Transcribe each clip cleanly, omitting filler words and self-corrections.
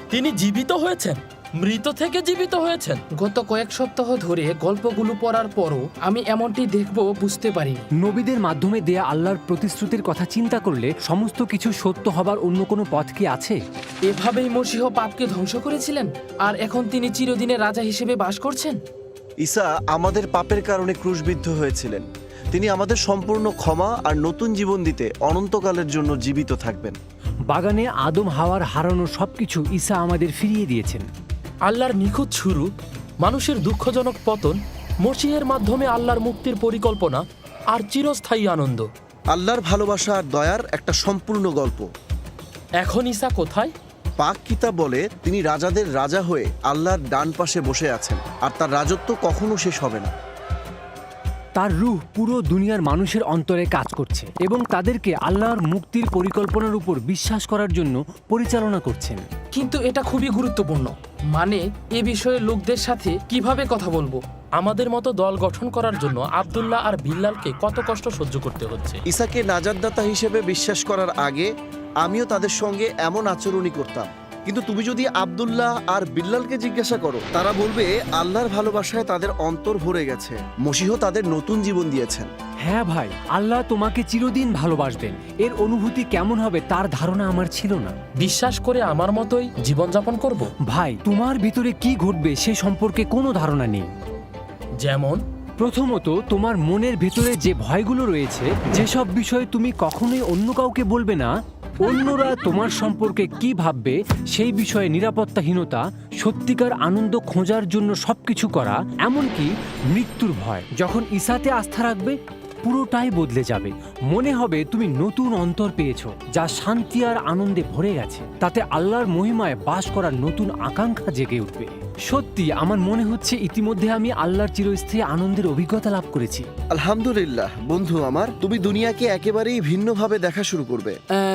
তিনি জীবিত হয়েছেন, মৃত থেকে জীবিত হয়েছেন। গত কয়েক সপ্তাহ ধরে গল্পগুলো পড়ার পরও আমি এমনটি দেখব বুঝতে পারিনি। নবীদের মাধ্যমে দেয়া আল্লাহর প্রতিশ্রুতির কথা চিন্তা করলে সমস্ত কিছু সত্য হবার অন্য কোনো পথ কি আছে? এভাবেই মসীহ পাপকে ধ্বংস করেছিলেন, আর এখন তিনি চিরদিনের রাজা হিসেবে বাস করছেন। ঈসা আমাদের পাপের কারণে ক্রুশবিদ্ধ হয়েছিলেন। তিনি আমাদের সম্পূর্ণ ক্ষমা আর নতুন জীবন দিতে অনন্তকালের জন্য জীবিত থাকবেন। বাগানে আদম হাওয়ার হারানো সবকিছু ঈসা আমাদের ফিরিয়ে দিয়েছেন। আল্লাহর নিখুঁত শুরু, মানুষের দুঃখজনক পতন, মসিহের মাধ্যমে আল্লাহর মুক্তির পরিকল্পনা আর চিরস্থায়ী আনন্দ। আল্লাহর ভালোবাসা আর দয়ার একটা সম্পূর্ণ গল্প। এখন ঈসা কোথায়? পাক কিতাব বলে তিনি রাজাদের রাজা হয়ে আল্লাহর ডান পাশে বসে আছেন, আর তার রাজত্ব কখনো শেষ হবে না। তার রূহ পুরো দুনিয়ার মানুষের অন্তরে কাজ করছে এবং তাদেরকে আল্লাহর মুক্তির পরিকল্পনার উপর বিশ্বাস করার জন্য পরিচালনা করছেন। কিন্তু এটা খুবই গুরুত্বপূর্ণ, মানে এ বিষয়ে লোকদের সাথে কিভাবে কথা বলবো। আমাদের মতো দল গঠন করার জন্য আব্দুল্লাহ আর বিল্লালকে কত কষ্ট সহ্য করতে হচ্ছে। ঈসাকে নাজাতদাতা হিসেবে বিশ্বাস করার আগে আমিও তাদের সঙ্গে এমন আচরণই করতাম। কিন্তু তুমি যদি আব্দুল্লাহ আর বিল্লালকে জিজ্ঞাসা করো, তারা বলবে আল্লাহর ভালোবাসায় তাদের অন্তর ভরে গেছে। মসীহ তাদের নতুন জীবন দিয়েছেন। হ্যাঁ ভাই, আল্লাহ তোমাকে চিরদিন ভালোবাসবেন। এর অনুভূতি কেমন হবে তার ধারণা আমার ছিল না। বিশ্বাস করে আমার মতোই জীবনযাপন করব। ভাই, তোমার ভিতরে কি ঘটবে সে সম্পর্কে কোনো ধারণা নেই। যেমন, প্রথমত, তোমার মনের ভেতরে যে ভয়গুলো রয়েছে, যেসব বিষয়ে তুমি কখনোই অন্য কাউকে বলবে না, অন্যরা তোমার সম্পর্কে কি ভাববে সেই বিষয়ে নিরাপত্তাহীনতা, সত্যিকার আনন্দ খোঁজার জন্য সবকিছু করা, এমনকি মৃত্যুর ভয়। যখন ঈসাতে আস্থা রাখবে, পুরোটাই বদলে যাবে। মনে হবে তুমি নতুন অন্তর পেয়েছো, যা শান্তি আর আনন্দে ভরে গেছে। তাতে আল্লাহর মহিমায় বাস করার নতুন আকাঙ্ক্ষা জেগে উঠবে। সত্যি আমার মনে হচ্ছে ইতিমধ্যে আমি আল্লাহর চিরস্থায়ী আনন্দের অভিজ্ঞতা লাভ করেছি। আলহামদুলিল্লাহ বন্ধু আমার, তুমি দুনিয়াকে একেবারেই ভিন্নভাবে দেখা শুরু করবে।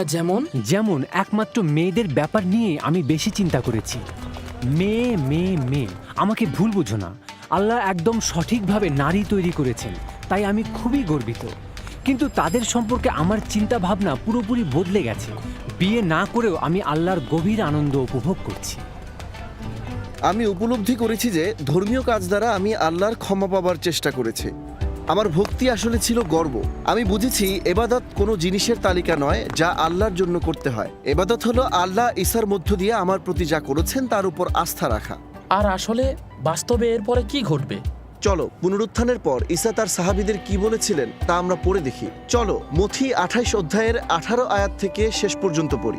যেমন একমাত্র মেয়েদের ব্যাপার নিয়ে আমি বেশি চিন্তা করেছি। মেয়ে মেয়ে মেয়ে, আমাকে ভুল বুঝো না। আল্লাহ একদম সঠিকভাবে নারী তৈরি করেছেন, তাই আমি খুবই গর্বিত। কিন্তু তাদের সম্পর্কে আমার চিন্তা ভাবনা পুরোপুরি বদলে গেছে। বিয়ে না করেও আমি আল্লাহর গভীর আনন্দ উপভোগ করছি। আমি উপলব্ধি করেছি যে ধর্মীয় কাজ দ্বারা আমি আল্লাহর ক্ষমা পাবার চেষ্টা করেছি। আমার ভক্তি আসলে ছিল গর্ব। আমি বুঝেছি এবাদত কোনো জিনিসের তালিকা নয় যা আল্লাহর জন্য করতে হয়। এবাদত হলো আল্লাহ ঈসার মধ্য দিয়ে আমার প্রতি যা করেছেন তার উপর আস্থা রাখা। আর আসলে বাস্তবে এরপরে কি ঘটবে? চলো পুনরুত্থানের পর ঈসা তার সাহাবীদের কি বলেছিলেন তা আমরা পড়ে দেখি। চলো মথি 28 অধ্যায়ের 18 আয়াত থেকে শেষ পর্যন্ত পড়ি।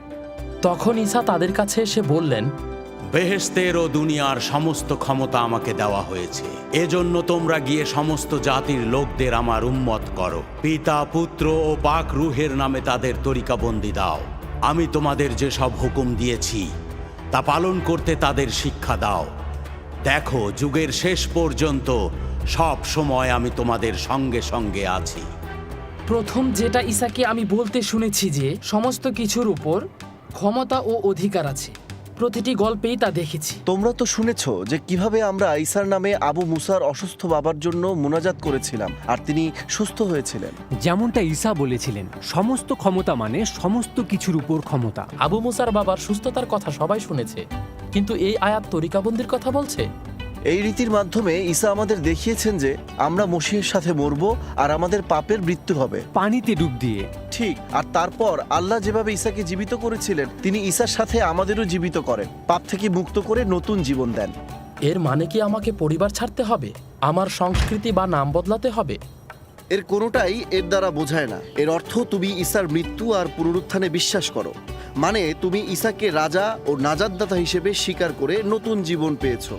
তখন ঈসা তাদের কাছে এসে বললেন, বেহেশতের ও দুনিয়ার সমস্ত ক্ষমতা আমাকে দেওয়া হয়েছে। এজন্য তোমরা গিয়ে সমস্ত জাতির লোকদের আমার উম্মত করো। পিতা, পুত্র ও পাক রূহের নামে তাদের তরিকাবন্দি দাও। আমি তোমাদের যে সব হুকুম দিয়েছি তা পালন করতে তাদের শিক্ষা দাও। দেখো, যুগের শেষ পর্যন্ত সব সময় আমি তোমাদের সঙ্গে সঙ্গে আছি। প্রথম যেটা ঈসাকে আমি বলতে শুনেছি যে সমস্ত কিছুর উপর ক্ষমতা ও অধিকার আছে। প্রতিটি গল্পেই তা দেখেছি। তোমরা তো শুনেছো যে কিভাবে আমরা ঈসার নামে আবু মুসার অসুস্থ বাবার জন্য মুনাজাত করেছিলাম আর তিনি সুস্থ হয়েছিলেন। যেমনটা ঈসা বলেছিলেন, সমস্ত ক্ষমতা মানে সমস্ত কিছুর উপর ক্ষমতা। আবু মুসার বাবার সুস্থতার কথা সবাই শুনেছে, কিন্তু এই আয়াত তরিকাবন্দির কথা বলছে। এই রীতির মাধ্যমে ঈসা আমাদের দেখিয়েছেন যে আমরা মসীহের সাথে মরব আর আমাদের পাপের মৃত্যু হবে পানিতে ডুব দিয়ে। ঠিক, আর তারপর আল্লাহ যেভাবে ঈসাকে জীবিত করেছিলেন তিনি ঈসার সাথে আমাদেরও জীবিত করেন, পাপ থেকে মুক্ত করে নতুন জীবন দেন। এর মানে কি আমাকে পরিবার ছাড়তে হবে, আমার সংস্কৃতি বা নাম বদলাতে হবে? এর কোনোটাই এর দ্বারা বোঝায় না। এর অর্থ তুমি ঈসার মৃত্যু আর পুনরুত্থানে বিশ্বাস করো, মানে তুমি ঈসাকে রাজা ও নাজাতদাতা হিসেবে স্বীকার করে নতুন জীবন পেয়েছো।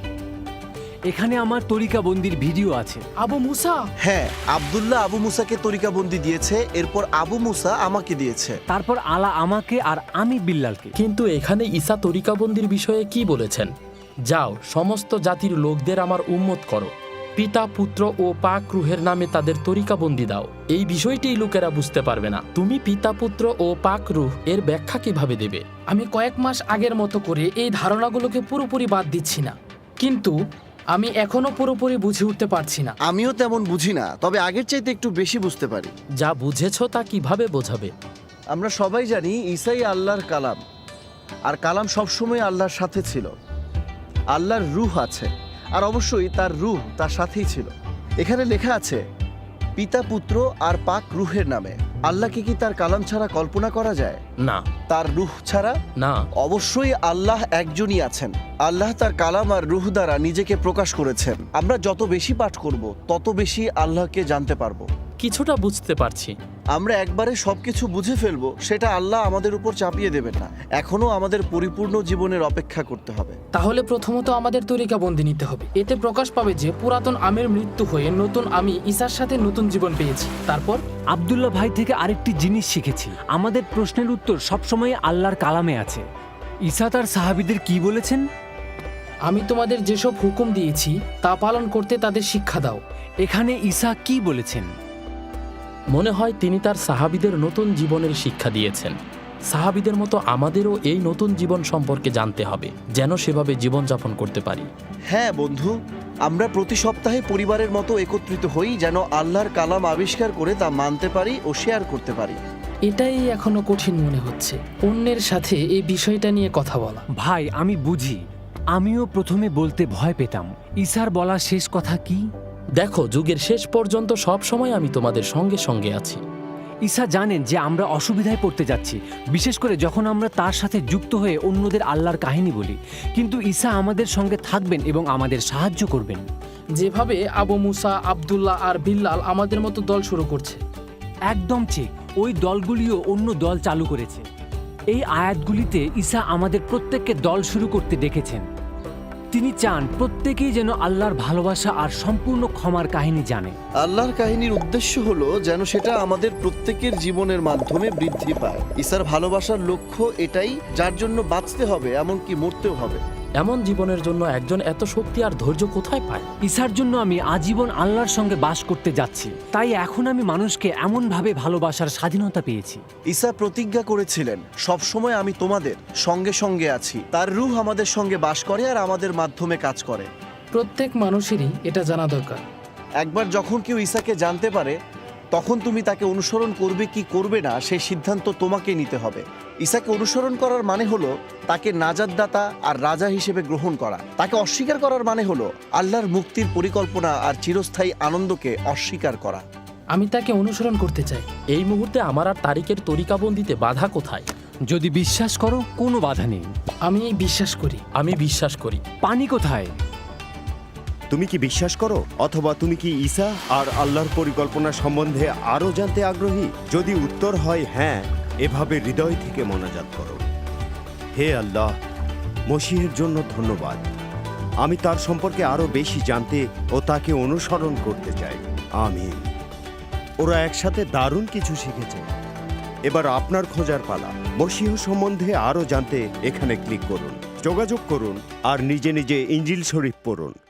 এখানে আমার তরিকাবন্দির ভিডিও আছে। আবু মুসা, হ্যাঁ, আব্দুল্লাহ আবু মুসাকে তরিকাবন্দি দিয়েছে, এরপর আবু মুসা আমাকে দিয়েছে, তারপর আলা আমাকে আর আমি বিল্লালকে। কিন্তু এখানে ঈসা তরিকাবন্দির বিষয়ে কি বলেছেন? যাও, সমস্ত জাতির লোকদের আমার উম্মত করো, পিতা, পুত্র ও পাক রূহের নামে তাদের তরিকাবন্দি দাও। এই বিষয়টি লোকেরা বুঝতে পারবে না। তুমি পিতা, পুত্র ও পাক রূহ এর ব্যাখ্যা কিভাবে দেবে? আমি কয়েক মাস আগের মতো করে এই ধারণাগুলোকে পুরোপুরি বাদ দিচ্ছি না, কিন্তু আমি এখনো পুরোপুরি বুঝে উঠতে পারছি না। আমিও তেমন বুঝি না, তবে আগের চাইতে একটু বেশি বুঝতে পারি। যা বুঝেছো তা কিভাবে বোঝাবে? আমরা সবাই জানি ঈসাই আল্লাহর কালাম, আর কালাম সবসময় আল্লাহর সাথে ছিল। আল্লাহর রূহ আছে, আর অবশ্যই তার রূহ তার সাথেই ছিল। এখানে লেখা আছে পিতা, পুত্র আর পাক রূহের নামে। আল্লাহকে কি তার কালাম ছাড়া কল্পনা করা যায়? না, তার রূহ ছাড়া? না। অবশ্যই আল্লাহ একজনই আছেন। আল্লাহ তার কালাম আর রূহ দ্বারা নিজেকে প্রকাশ করেছেন। আমরা যত বেশি পাঠ করব তত বেশি আল্লাহকে জানতে পারবো। কিছুটা বুঝতে পারছি। আমরা একবারে সবকিছু বুঝে ফেলবো সেটা আল্লাহ আমাদের উপর চাপিয়ে দেবেন না। এখনো আমাদের পরিপূর্ণ জীবনের অপেক্ষা করতে হবে। তাহলে প্রথমত আমাদের তরিকাবন্দি নিতে হবে। এতে প্রকাশ পাবে যে পুরাতন আমের মৃত্যু হয়ে নতুন আমি ঈসার সাথে নতুন জীবন পেয়েছি। তারপর আব্দুল্লাহ ভাই থেকে আরেকটি জিনিস শিখেছি, আমাদের প্রশ্নের উত্তর সবসময় আল্লাহর কালামে আছে। ঈসা তার সাহাবীদের কি বলেছেন? আমি তোমাদের যেসব হুকুম দিয়েছি তা পালন করতে তাদের শিক্ষা দাও। এখানে ঈসা কি বলেছেন? মনে হয় তিনি তার সাহাবীদের নতুন জীবনের শিক্ষা দিয়েছেন। সাহাবীদের মতো আমাদেরও এই নতুন জীবন সম্পর্কে জানতে হবে, যেন সেভাবে জীবনযাপন করতে পারি। হ্যাঁ বন্ধু, আমরা প্রতি সপ্তাহে পরিবারের মতো একত্রিত হই, যেন আল্লাহর কালাম আবিষ্কার করে তা মানতে পারি ও শেয়ার করতে পারি। এটাই এখনো কঠিন মনে হচ্ছে, অন্যের সাথে এই বিষয়টা নিয়ে কথা বলা। ভাই, আমি বুঝি। আমিও প্রথমে বলতে ভয় পেতাম। ঈসার বলা শেষ কথা কি? দেখো, যুগের শেষ পর্যন্ত সব সময় আমি তোমাদের সঙ্গে সঙ্গে আছি। ঈসা জানেন যে আমরা অসুবিধায় পড়তে যাচ্ছি, বিশেষ করে যখন আমরা তার সাথে যুক্ত হয়ে অন্যদের আল্লাহর কাহিনী বলি। কিন্তু ঈসা আমাদের সঙ্গে থাকবেন এবং আমাদের সাহায্য করবেন। যেভাবে আবু মুসা, আব্দুল্লাহ আর বিল্লাল আমাদের মতো দল শুরু করছে। একদম ঠিক, ওই দলগুলিও অন্য দল চালু করেছে। এই আয়াতগুলিতে ঈসা আমাদের প্রত্যেককে দল শুরু করতে ডেকেছেন। তিনি চান প্রত্যেকেই যেন আল্লাহর ভালোবাসা আর সম্পূর্ণ ক্ষমার কাহিনী জানে। আল্লাহর কাহিনীর উদ্দেশ্য হলো যেন সেটা আমাদের প্রত্যেকের জীবনের মাধ্যমে বৃদ্ধি পায়। ঈসার ভালোবাসার লক্ষ্য এটাই, যার জন্য বাঁচতে হবে, এমনকি মরতেও হবে। এমন জীবনের জন্য একজন এত শক্তি আর ধৈর্য কোথায় পায়? ঈসার জন্য আমি আজীবন আল্লাহর সঙ্গে বাস করতে যাচ্ছি, তাই এখন আমি মানুষকে এমনভাবে ভালোবাসার স্বাধীনতা পেয়েছি। ঈসা প্রতিজ্ঞা করেছিলেন, সবসময় আমি তোমাদের সঙ্গে সঙ্গে আছি। তার রূহ আমাদের সঙ্গে বাস করে আর আমাদের মাধ্যমে কাজ করে। প্রত্যেক মানুষেরই এটা জানা দরকার। একবার যখন কেউ ঈসাকে জানতে পারে, তখন তুমি তাকে অনুসরণ করবে কি করবে না সেই সিদ্ধান্ত তোমাকে নিতে হবে। ঈসাকে অনুসরণ করার মানে হলো তাকে নাজাতদাতা আর রাজা হিসেবে গ্রহণ করা। তাকে অস্বীকার করার মানে হলো আল্লাহর মুক্তির পরিকল্পনা আর চিরস্থায়ী আনন্দকে অস্বীকার করা। আমি তাকে অনুসরণ করতে চাই। এই মুহূর্তে আমার আর তারিকের তরিকাবন্দিতে বাধা কোথায়? যদি বিশ্বাস করো, কোনো বাধা নেই। আমি বিশ্বাস করি। আমি বিশ্বাস করি। পানি কোথায়? তুমি কি বিশ্বাস করো, অথবা তুমি কি ঈসা আর আল্লাহর পরিকল্পনা সম্বন্ধে আরও জানতে আগ্রহী? যদি উত্তর হয় হ্যাঁ, এভাবে হৃদয় থেকে মোনাজাত করো, হে আল্লাহ, মসিহের জন্য ধন্যবাদ। আমি তার সম্পর্কে আরও বেশি জানতে ও তাকে অনুসরণ করতে চাই। আমিন। ওরা একসাথে দারুণ কিছু শিখেছে। এবার আপনার খোঁজার পালা। মসিহ সম্বন্ধে আরও জানতে এখানে ক্লিক করুন, যোগাযোগ করুন আর নিজে নিজে ইঞ্জিল শরীফ পড়ুন।